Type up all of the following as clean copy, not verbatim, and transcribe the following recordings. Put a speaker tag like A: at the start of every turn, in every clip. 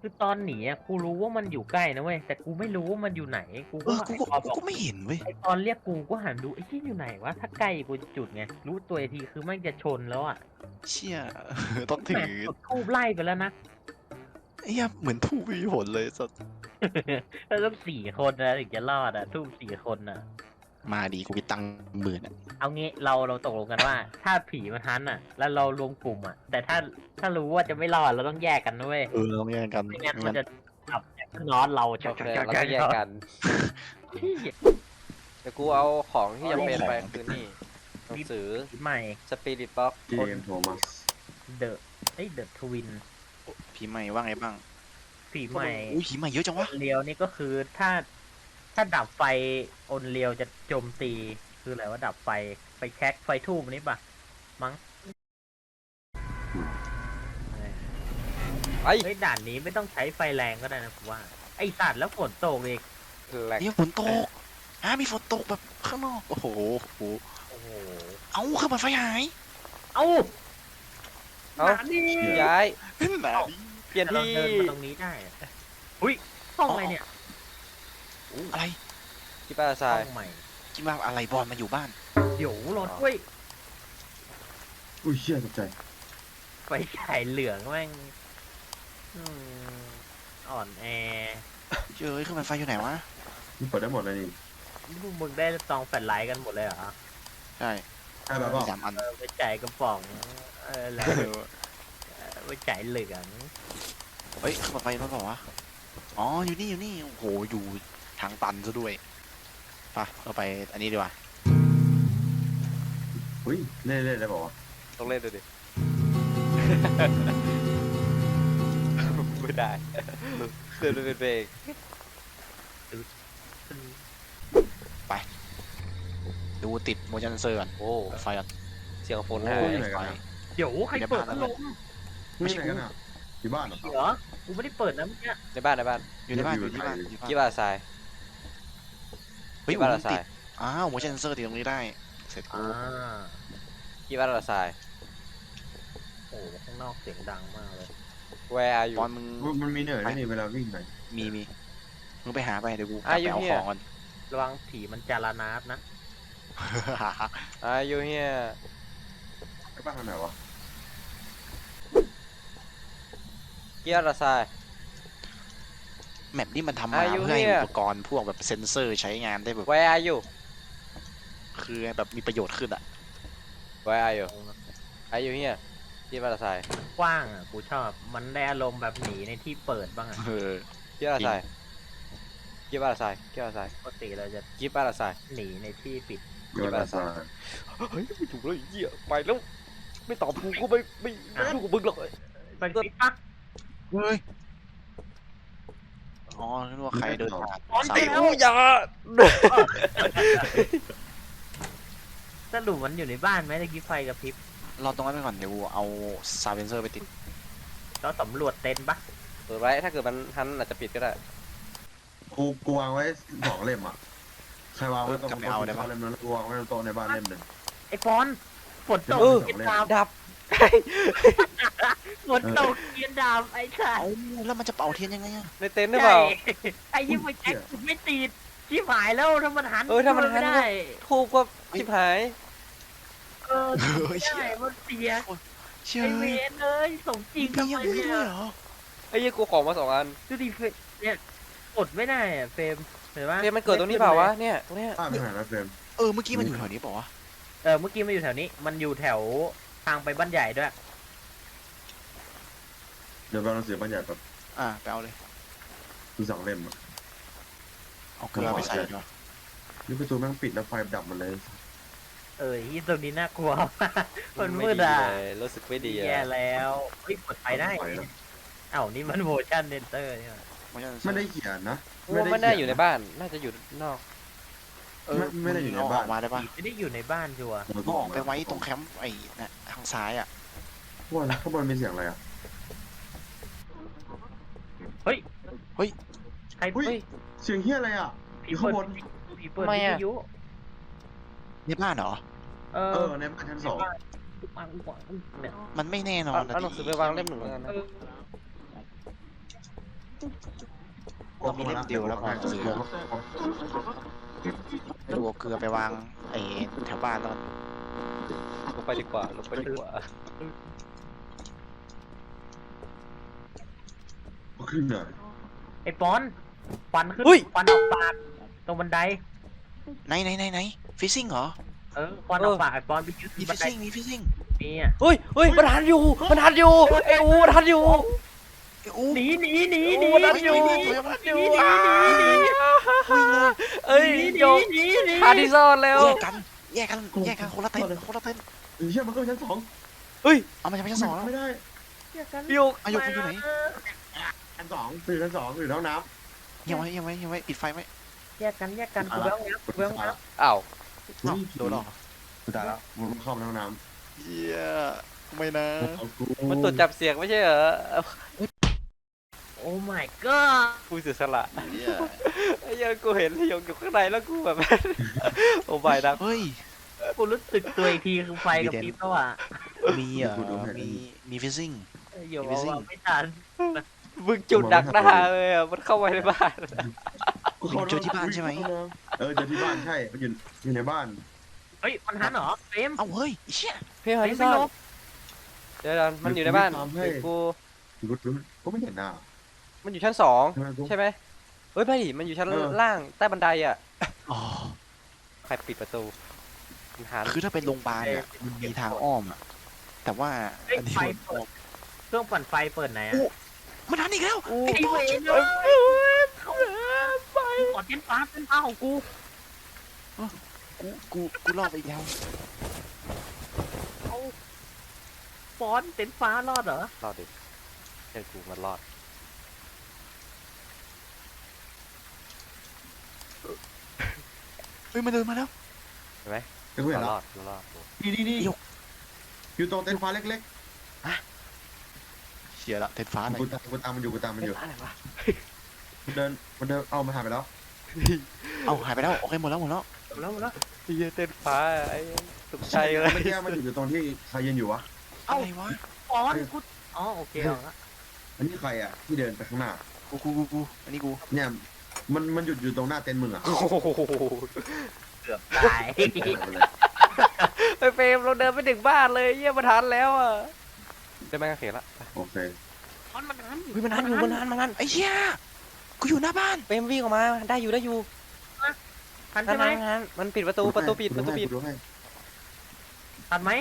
A: คือตอนหนีอะกูรู้ว่ามันอยู่ใกล้นะเว้ยแต่กูไม่รู้ว่ามันอยู่ไหนกูก็
B: กูก็ไม่เห็นเว้ย
A: ไอตอนเรียกกูก็หันดูไอ้ที่อยู่ไหนวะถ้าใกล้กูจะจุดไงรู้ตัวอีกทีคือมันจะชนแล้วอ่ะ
B: เชี่ยต้องถื
A: แหม
B: อ
A: จุดทูบไล่ไปแล้วนะ
B: เฮียเหมือนทูบไม่มีผลเลยสัส
A: แล้วต้อง4 คนนะถึงจะรอดอ่ะทูบ4 คนอ่ะ
B: มาดีกูมีตังค์10,000อ่ะ
A: เอางี้เราตกลงกันว่า ถ้าผีมันฮันอ่ะ แล้วเรารวมกลุ่มอ่ะ แต่ถ้ารู้ว่าจะไม่รอดเราต้องแยกกันด้วย
B: ต้องแย่งกัน
A: ไม่งั้นมันจะจับน็อตเรา
C: โอเคเราก็แยกกันเดี๋ยวกูเอาของที่จำเป็นไปคือนี่หนังสือ
A: ผีใหม่
C: สปิริตบ็อก
D: เกมโทมัส
A: เดอะทวิน
B: ผีใหม่ว่าไงบ้าง
A: ผีใหม่
B: อุ้ยผีใหม่เยอะจังวะ
A: เรียวนี่ก็คือถ้าดับไฟอนเรียวจะโจมตีคืออะไรว่าดับไฟแช็กไฟทูบนี่ปะมั้ง
C: ไอ้
A: เฮ้ยด่านนี้ไม่ต้องใช้ไฟแรงก็ได้นะผมว่าไอสัตว์แล้วฝนตกอีก
C: แหลก
B: เนี่ยฝนตกมีฝนตกแบบข้างนอกโอ้โห
A: โอ้โห
B: เอ้าเครื่องปั่นไฟหาย
A: เอ้า
C: เอ้า
A: หนานี่
C: ย้าย
B: หนาดิ
C: เปลี่ยน
A: เรา
C: ที่
A: เดินมาตรงนี้ได้อะอุ้ยห้องอะไรเนี่ย
B: อะไร
C: ที่ป้าท
A: ห้
C: รา
A: อย งใหม่
B: คิดว่าอะไรบอลมาอยู่บ้าน
A: เดี๋ยวรถด้วย
D: อุ้ยเชี่ยตกใจ
A: ไฟฉายเหลืองแม่งอืมอ่อนแอ
B: เจอเครื่องปั่นไฟอยู่ไหนวะ
D: นี่เปิดได้หมดเลยนี่
A: พวกมึงได้ซองแฟลชไลท์กันหมดเลยเหรอ
B: ใช่
D: ใช่แบบ
B: มี
D: ว่า
B: 3 อัน
A: ไปจ่ายกระป๋องแล้วไปจ่ายเหลือง
B: เฮ้ยเครื่องปั่นไฟรถเปล่าวะอ๋ออยู่นี่โอ้โหอยู่ทางตันซะด้วยไปเราไปอันนี้ดีกว่า
D: อุ้ยเล่นได้บอกว่า
C: ต้องเล่นดูดิ ไม่ได้เดินเป็นเบรก
B: ดูติดโมชั่นเซอร์ก่อน
C: โอ้
B: ไฟก่อน
C: เสียงฝน
D: โอ้
C: หาย
D: ยไหนกันนะ
A: เดี๋ยวใครเปิดพัดลม
D: ไม่ใช่กันอ่ะอยู่บ้านเหรอ
A: เหรอกูไม่ได้เปิดนะเมื่อกี้
C: ในบ้านในบ้าน
B: อยู่ในบ้าน
D: อ
B: อยู่ ยู่ที่บ้านอยู่ที่
C: กี่
B: บ้าน
C: บาททราย
B: เฮ้ย
C: กี่บาท
B: มั
C: ละ
B: น
C: ทรา
B: ติ
C: ย
B: ดอ้าวโมชั่นเซอร์ติดตรงนี้ได้เสร็จกู
C: กี่บาทละทราย
A: โอ้ข้างนอกเสียงดังมากเลย
C: Where are you
B: บอลมึง
D: มันมีเหนื่อยด้วยนี่เวลาวิ่งไป
B: มีมึงไปหาไปเดี๋ยวกูกลับไปเอาของก่อน
A: ระวังผีมันจารานาสนะ
C: Are you here
D: ไอ้บ้านทางไหนวะ
C: กี่บาทละทราย
B: แมปนี่มันทำมา
C: อายุ
B: เพื่อให้
C: เนี่ย
B: อุปกรณ์พวกแบบเซนเซอร์ใช้งานได้แบบ
C: Where are you
B: คือแบบมีประโยชน์ขึ้นอ่ะ
C: Where are you Are you here กี่บาทละทราย
A: กว้างอ่ะกูชอบมันได้อารมณ์แบบหนีในที่เปิดบ้างอ่ะ
B: เออ
C: กี่บาทละทรายกี่บาทละทรายกี่บาทละทราย
A: ปกติเราจะ
C: กี่บาทละทราย
A: หนีในที่ปิด
D: อยู่บ้านซา
C: เฮ้ยไม่ถูกเลยเหี้ยไปแล้วไม่ตอบกูก็ไม่ถูกกับมึงหรอก
A: ไปปิดปะ
B: เฮ้ยอ๋อนึกว่าใครเดินผ่าน
A: อ๋อ
B: สา
A: ไป
B: ย
A: แล้ว
C: กูอย่า
A: สรุปมันอยู่ในบ้านไหมตะกี้ไฟกับพริบ
B: รอตรงนั้นไปก่อนเดี๋ยวกูเอาซาวเซนเซอร์ไปติด
A: เราสำรวจเต็นท์ปะ
C: เปิดไว้ถ้าเกิดมันทันอาจจะปิดก็ได้
D: กูวางไว้2 เล่มอ่ะใครวางไว้ตรงโต๊ะเล่มนั้นกูวางไว้ตรงโต๊ะในบ้านเล่มหนึ่ง
A: ไอ้ฟอนฝนตก
D: เออ
A: เกียนดาบ
C: ดับ
A: ฝนตกเกียนดาบไอ้สัส
B: เอ้าแล้วมันจะเป่าเทียนยังไงอะ
C: ในเต็นท์หรือเปล่า
A: ไอ้ยี่ห้อแจ็คไม่ติดชิบหายแล้วถ้ามันหัน
C: ถ้ามันหัน
A: ไม่ได้
C: ทูบก็ชิบหาย
A: เออไม่ได้มันเสีย
B: เชื่อ
A: ไอเว
B: เลย
A: นเลยสมจริง
B: มี
A: ทำ
B: อย่าง
A: ไม
B: นี้
A: เนี่
B: ด้วย ยเหรอ
C: ไอ้ยี่กูของมา2 อัน
A: ดูดิเฟรมเนี่ยกดไม่ได้อะเฟรมเห็นปะ
C: เฟรมมันเกิดตรงนี้เปล่าวะเนี่ยตรงเนี้ย
D: บ้านไปไหนแล้วเฟรม
B: เมื่อกี้มันอยู่แถวนี้เปล่าวะ
A: เออเมื่อกี้มันอยู่แถวนี้ มันอยู่แถวทางไปบ้านใหญ่ด้วย
D: เดี๋ยวเราเสียบ้านใหญ่แบบ
B: ไปเอาเลย
D: คือ2 เล่มอ่ะ
B: เอาเกลือไปใส่ดีกว่า
D: นี่ประตูแม่งปิดแล้วไฟดับหมดเลย
A: ที่ตรงนี้น่ากลัวมากมันมืดอ่ะ
C: เลยรู้สึกไม่ดี
A: แย่
C: อะ
A: แล้วเฮ้ยเปิดไฟได้
D: เปิดไฟแล้ว
A: เอ้านี่มันโมชั่นเดนเตอร์เนี่ย
D: ไม่ได้เขียนนะ
C: ว่าไม่น่าอยู่ในบ้านน่าจะอยู่นอก
D: ไม่ได้อยู่ในบ้าน
B: เออกมาได้ปะ
A: ไม่ได้อยู่ในบ้านชัวร์
B: ก็ออกไปไว้ตรงแคมป์ไอ้น่ะทางซ้ายอ่ะ
D: ว่าแล้วข้างบนมีเสียงอะไรอ่ะ
A: เฮ้ย
B: เฮ้ย
A: ใคร
D: เฮ้ย เสียงเฮียอะไรอ่ะ
A: ผี
D: อยู่
A: เปิ
D: ข้าง
A: ด
D: บน
A: ผีเปิดวิทยุ
B: ในบ้านเหรอ
A: เออ
D: ในบ้านชั้น 2
A: เนี่ย
B: มันไม่แน่นอน
C: เอาหนังสือไปวางเล่ม 1แล้วกันนะ
A: เออ
B: เรามีเล่มเดียวแล้วพอเหลือดูเอาเกลือไปวางไอ้แถวบ้านแล้วกัน
C: ลงไปดีกว่าลงไปดีกว่า
D: ขึ้นเลย
A: ไอ้ปอนฟันขึ้น
C: อุ้ย
A: ฟันออกปากตรงบันได
B: ไหนฟิซซิ่งเหรอ
A: ฟันออกปากไอ้ปอนไปยึด
B: มี
A: บั
B: ฟิ
A: น
B: ซ
A: ได
B: ซิ่งมีฟิซซิ่ง
A: นี่อ่ะ
C: เฮ้ยมันทันอยู่มันทันอยู่ไอ้อูมันทันอยู่
B: อู้
A: หนี
C: มันทันอยู่
B: วิ่งเลย
C: เอ้ย
A: หนี
C: โยก
A: หนี
C: หาที่ซ่อนแล้ว
B: แยกกันคนละเต็นท์
D: เชี่ยมันก็ชั้น2
B: เอามาจากชั้น 2แล้ว
D: ไม่ได้
C: โยก
B: อายุคุณอยู่ไหน
D: ชั้น2คือชั้น2อยู่ห้องน้
B: ยังไว้ปิดไฟไหม
A: แยกกันกูแววงับกูแววงับ
C: อ้าว
D: ำ
B: โดนหรอ
D: กูตายแล้วมันเข้าห้องน้
B: เฮียไม่นะ
D: ำเอากู
C: มันตรวจจับเสียงไม่ใช่เหรอ
A: โอ้ my god
C: กูเสียสละ
B: เฮีย
C: ไอ้เหี้ยังกูเห็นที่ยงอยู่ข้างในแล้วกูแบบ โอ้ไม่นะ
B: เฮ้ย
A: กูรู้สึกตัวอีกทีคือไฟกับพริบแล้วอ่ะ
B: มีมีฟิซซิ่ง
A: อยู่ว่าไม่ทัน
C: มึงจุดดักหน้าเลยอ่ะมันเข้าไปในบ้าน
B: เจอที่บ้านใช่ไหม
D: เออเจอที่บ้านใช่มันอยู่ในบ้าน
A: เฮ้ยมันทันเหรอเฟรม
B: เอ้าเฮ้ยเชี่ย
C: เพี่หาที่ซ่อนเดี๋ยวมันอยู่ในบ้าน
D: เฮ้ย
C: เดี๋ยวกู
D: กูไม่เห็นหน้า
C: มันอยู่ชั้น2ใช่ไหมเฮ้ยไม่ดิมันอยู่ชั้น
D: เออ
C: ล่างใต้บันไดอ่ะ
B: อ๋อ
C: ใครปิดประตูมันหา
B: คือถ้าเป็นโรงพยาบาลเนี่ยมันมีทางอ้อมอะแต่ว่า
A: เฮ้ย
B: อันนี้
A: ไฟเปิดเครื่องปั่นไฟเปิดไหนอ่ะ
B: มันทันอีกแล้ว
A: ไอ้เวรเลยขอเต้นฟ้าของกู
B: กูรอบไปอีกแล้ว
A: เอาฟอนเต้นฟ้ารอดเหรอ
C: รอดดิเดี๋ยวกูมันรอด
B: เฮ้ยมันเดินมาแล้ว
C: เห็นไหม
D: เดี๋ยวกูเห็น
C: ร
D: แล้ว
C: อดรอด
D: นี่อยู่ตรงเต็นท์ฟ้าเล็ก
B: เชียร์ละเต็นฟ้า
D: ๆ
B: หน่อย
D: กูตามมันอยู่
C: อะไรวะ
D: มันเดินเอามาถ่ายไปแล้ว
B: เอาหายไปแล้วโอเคหมดแล้ว
A: แล้ว
C: เฮียเต้นฟ้าไอ้ตกใจเลย
D: เมื่อกี้มันอยู่ตรงที่ใครยืนอยู่วะ
B: อะไรวะ
A: ฟอนกูอ๋อโอเคเอาละ
D: อันนี้ใครอ่ะที่เดินไปข้างหน้า
B: กูอันนี้กู
D: เนี่ยมันหยุดอยู่ตรงหน้าเต็นท์มึงอ่ะ
C: โอ้โห
A: เกือบตาย
C: ไอ้เฟรมเราเดินไปถึงบ้านเลยเยี่ยมาทันแล้วอ่ะได้ไหมกางเขนละ
D: โอเค
A: ฟอนมันทัน
C: เฮ้ยมันทันอยู่มันทัน
B: ไอ้เชี่ยกูอยู่หน้าบ้าน
C: เฟรมวิ่งออกมาได้อยู่
A: ทันใช่ไหม
C: ทันมันปิดประตูปิด
D: ดูให้
A: ทันไหม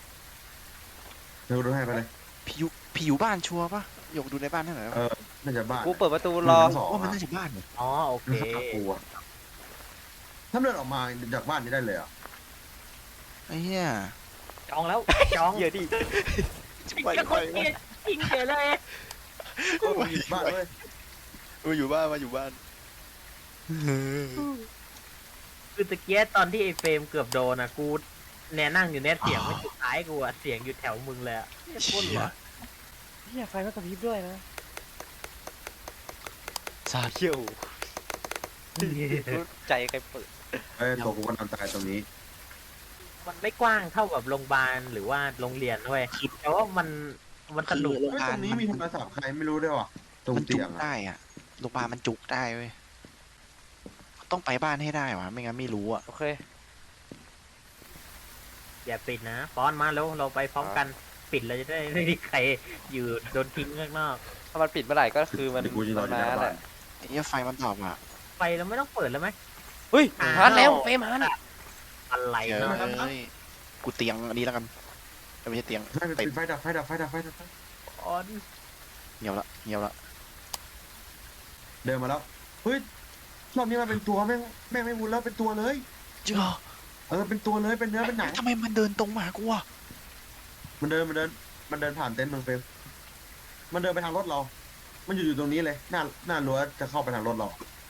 D: ดูให้ไปเลย
B: ผีอยู่บ้านชัวร์ปะหยกดูในบ้านให้หน่อย
D: น่าจะบ้าน
C: กูเปิดประตูรอ
B: ว่ามันน่าจะบ้านเนี่ย
A: อ๋อโอเค
D: กูอ่ะถ้าเดินออกมาจากบ้านนี้ได้เลยอ่ะ
B: ไอ้เหี้ย
A: จองแล้วจอง
C: เยอะดิ
B: ไป
A: จะคนเกลียดจริงเฉยเลย
D: บ้านเลย
B: มาอยู่บ้าน
A: คือตะเกียตอนที่ไอ้เฟรมเกือบโดนอ่ะกูแน่นั่งอยู่เนี่ยเสียงไม่สุดท้ายกูอ่ะเสียงอยู่แถวมึงเลยอ่ะโคตรหลอน
C: เฮียไฟก็กระพริบด้วยนะ
B: สาด
C: เขี้ยวใจใครเปิด
D: ตัวกูก็นอนตายตรงนี้
A: มันไม่กว้างเท่ากับโรงพยาบาลหรือว่าโรงเรียนด้วยแต่ว่ามันสนุก
D: ตรงนี้มีโทรศัพท์ใครไม่รู้ด้วยว่ะตรง
B: มันจุ
D: เตีย
B: ก
D: งอ่ะ
B: ได้อะโรงพยาบาลมันจุกได้เว้ยต้องไปบ้านให้ได้วะไม่งั้นไม่รู้อะ
C: โอเค
A: อย่าปิดนะฟอนมาแล้วเราไปพร้อมกันปิดเราจะได้ไม่มีใครอยู่โดนทิ้งข้างนอก
C: ถ้ามันปิดเมื่อไหร่ก็คือมัน
D: เดี๋ยวกูจะรออยู่ห
C: มา
D: น้า
C: แห
D: บ้า
C: ละ
D: น
B: ไอ้เหี้ยไฟมันดับอะ
A: ไฟเราไม่ต้องเปิดแล้วไหม
C: เฮ้ยฮันแล้วเฟรมฮัน
A: อะไร
B: เฮ้
A: เนาะ
B: ยกูเตียงอันนี้แล้วกันไม่ใช่เตียง
D: ไฟดับ
A: ฟอน
B: เงียบละ
D: เดินมาแล้วเฮ้ยรอบนี้มันเป็นตัวแม่งไม่วุ้นแล้วเป็นตัวเลย
B: เจ้า
D: เป็นตัวเลยเป็นเนื้อเป็นหนัง
B: ทำไมมันเดินตรงมาหากูอะ
D: มันเดินผ่านเต็นท์มึงเฟรมมันเดินไปทางรถเรา มันอยู่ตรงนี้เลยหน้ารั้วจะเข้าไปทางรถเรา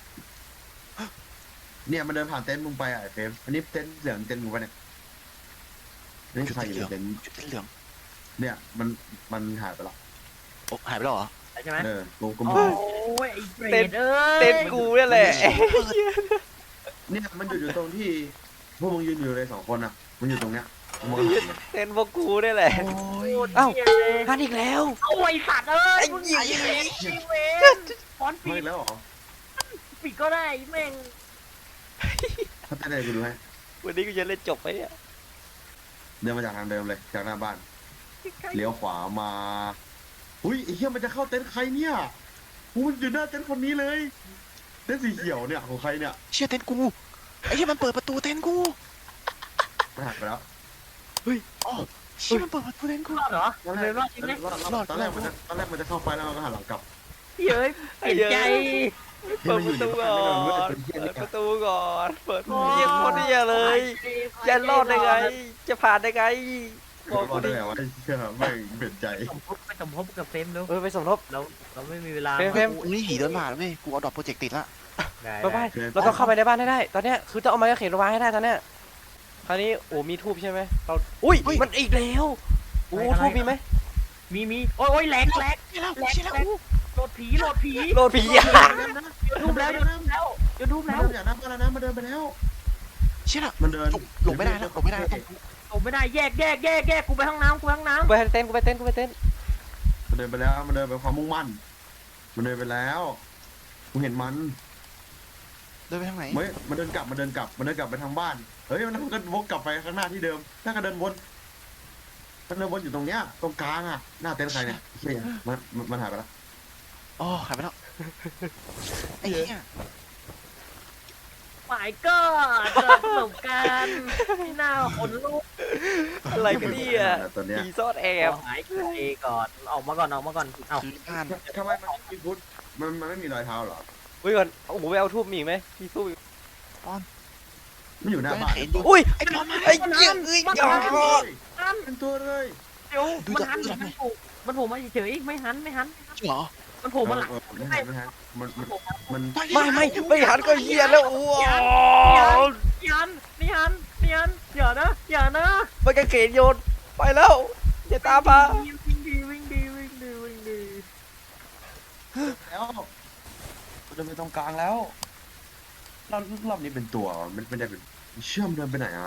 D: เนี่ยมันเดินผ่านเต็นท์มึงไปอ่ะเฟรมอันนี้เต็นท์เหลืองเต็นท์มึงไปเนี่ยนี่ใครอยู่ในเต็นท์
B: จุดเหลือง
D: เนี่ยมันหายไปแล้ว
B: โอ้หายไปแล้วเหรอ
A: ใช่ไหม
D: กู
A: โอ้ยไอ้เบรดเอ้ย
C: เต้นกูนี่แหละ
D: เนี่ยมันอยู่ตรงที่พวกมึงยืนอยู่เลย2 คนอ่ะมันอยู่ตรงเนี้ยมึง
C: เต้นพวกกูนี่แหละ
B: โอ้ย
C: เอ้า
A: เหี้ยเลย
C: ฮันอีกแล้ว
A: เอาไอ้สัตว์เอ้ย
C: ไอ้
A: มึง
C: เหี้ย
A: ไอ้เวรฟอน
D: มา
A: ปิ
D: อี
A: ด
D: กแล้วเหรอ
A: ปิดก็ได้แม่ง
D: ถ้าเต้นอะไรกูดูให้
C: วันนี้กูจะเล่นจบไหมเนี่ย
D: เดินมาจากทางเดิมเลยจากหน้าบ้านเลี้ยวขวามาอุ้ยไอ้เหี้ยมันจะเข้าเต็นท์ใครเนี่ยกูมันอยู่หน้าเต็นท์คนนี้เลยเต็นท์สีเขียวเนี่ยของใครเนี่ย
B: เชี่ยเต็นท์กูไอ้เชี่ยมันเปิดประตูเต็นท์กู
D: มันหักไปแล้ว
B: อ๋อเชี่ยมันเปิดประตูเต็นท์กู
A: รอดเหรอมันเลยรอดจริงไหม
D: ตอนแรกมันจะเข้าไปแล้วมันก็หันหลังกลับ
A: เฮ้ยเปลี่ยนใจ
C: เปิดประตูก่อนเปิดประตูก่อนเปิดเยี่ยมคนเดียเลยจะรอดได้ไง จะผ่านได้ไงบอก
D: ร
C: กู
D: อดได้
C: ดิ
D: ไงวะเชื่อไม่เปลี่ยนใจ
A: สมทบกับเฟรมเร็ว
C: ไปสมทบ
A: เราไม่มีเวลา
C: เฟรม
B: นี่หีเดินผ่านแล้วเว้ยกูเอาดอกโปรเจกต์ติดละ
A: ได้
C: ไปไปเราต้องเข้าไปในบ้านให้ได้ ตอนเนี้ยคือต้องเอาไม้กางเขนมาวางให้ได้ตอนเนี้ยคราวนี้โอ้มีทูบใช่ไหมเราอุ้ยมันอีกแล้วโอ้ทูบมีไหม
A: มีโอ้ยแหลก
B: เชี่ยแล้วเชี่ยแล้ว
A: โหลดผี
C: โลดผีอ่ะ
A: ยูทูบแล้วยูทูบ
D: มา
A: แล้ว
D: เดินจากหน้าบ้านแล้วนะมาเดินไปแล้ว
B: เชี่ยแล้ว
D: มันเดิน
B: หลบไม่ได้แล้วหลบไม่ได้แล้ว
A: ผมไม่ได้แยกกูไปห้องน้ำ
C: กูไปเต้นกูไปเต้นกูไปเต้น
D: มันเดินไปแล้วมันเดินไปความมุ่งมั่นมันเดินไปแล้วกูเห็นมัน
B: เดินไปทางไหน
D: เฮ้ยมันเดินกลับไปทางบ้านเฮ้ยมันก็วกกลับไปข้างหน้าที่เดิมน่าก็เดินวนอยู่ตรงเนี้ยตรงกลางอ่ะหน้าเต็นท์ใครเนี่ยเฮียมันหายไปแล้ว
B: อ๋อหายไปแล้วไอ้เหี้ย
A: หมายก็เจอประสบการณ์ที่น่าขนลุก
C: อะไรกันเนี่ย
D: ตัวเนี้ย
C: ผีซ่อนแอบ
A: หายใจก่อนออกมาก่อนเอ้า
B: คือบ้าน
D: ทำไมมันไม่มีพุทธมันไม่มีรอยเท้าเหรอ
C: อุ้ยก่อนโอ้โหไปเอาทูบมีอีกไหมมีทูบอีก
D: มันอยู่หน้าบ้าน
B: เห็นอยู่
C: อุ้ย
B: ไอ้บอลมา
C: ไอ้เหี้ยเอ้ยอย่า
D: เป็นตัวเลย
A: เดี๋ยวมันโผล่มาเฉยไม่หัน
B: จริงเหรอ
A: มันโผล่มาหลัง
D: ไม่หันมัน
C: ไม่หันก็เหี้ยแล้วโอ้โห
A: ยันอย่านะ
C: มันกางเขนโยนไปแล้วอย่าตามมา
A: วิ่งดี
D: แล้วเดินไปตรงกลางแล้วรอบนี้เป็นตัวมันเป็นอะไรเชื่อมเดินไปไหนอ่ะ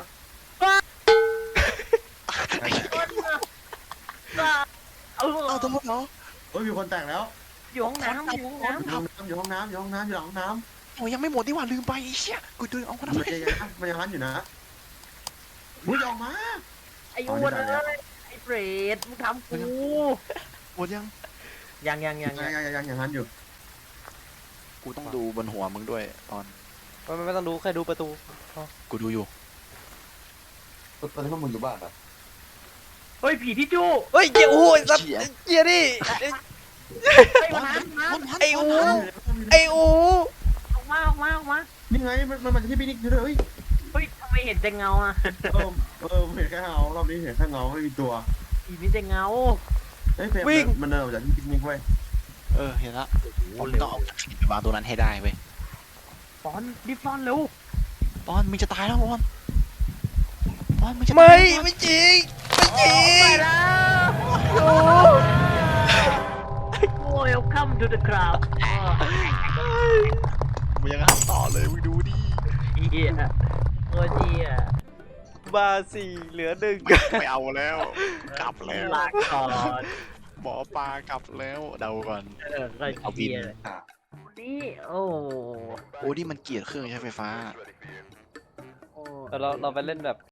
B: เอาตัวเหรอ
D: เฮ้ยมีคนแต่งแล้ว
A: อยู่ห้องน้ำ
D: อยู่ห้องน้ำอยู่ห้องน้ำอยู่ห้องน้ำ
B: โอ้ยังไม่หมดดีกว่าลืมไปไอ้เชี่ยกูดูเอาคน
D: มัน
B: ทำไม
D: ยังหันอยู่นะมึงออกมา
A: ไอ้อ้วนเลยไอ้เปรตมึงทำกู
B: หมดยัง
A: ยัง
D: ยังหันอยู่
B: กูต้องดูบนหัวมึงด้วยตอน
C: ไม่ต้องดูแค่ดูประตู
B: กูดูอยู่
D: ตอนนี้พวกมึงอยู่บ้านอ่ะ
A: เฮ้ยผีที่จู้
C: เฮ้ยเหี้ยโอ้ยสัตว์เหี้ยดิ
A: ไอ้น้ำ
C: ไอ้อูไอ้อู
A: ออกมา
D: นี่ไงมันจะที่พี่นิกอยู่เลย
A: เฮ้ยทำไมเห็นแต่เงาอ่ะ
D: เห็นแค่เงารอบนี้เห็นแค่เงาไม่มีตัว
A: ผีมีแต่เงา
D: เฮ้ยเพลมันเดินออกจากที่พี่นิกไว้
B: เออเห็นละผมต้องเอาไปวางตัวนั้นให้ได้เว้ย
A: ฟอนรีบฟอนเร็ว
B: บอลมึงจะตายแล้วบอลมึงจะ
C: ไม่จริงไม่จริ
A: ไป
C: ง
A: แล้วโอ้ย welcome to the crowd
B: มึงยังทำต่อเลยมึงดูดิ
A: เฮียโอ้ยเฮีย
C: บาสี่เหลือหนึ่ง
B: ไม่เอาแล้ว กลับแล้ว
A: ลาก่อน
B: หมอปลากลับแล้วเดาก่อน
A: ก็เฮียนี่โอ้
B: โอ้นี่มันเกลียดเครื่องใช้ไฟฟ้า
A: โอ้
C: เราไปเล่นแบบ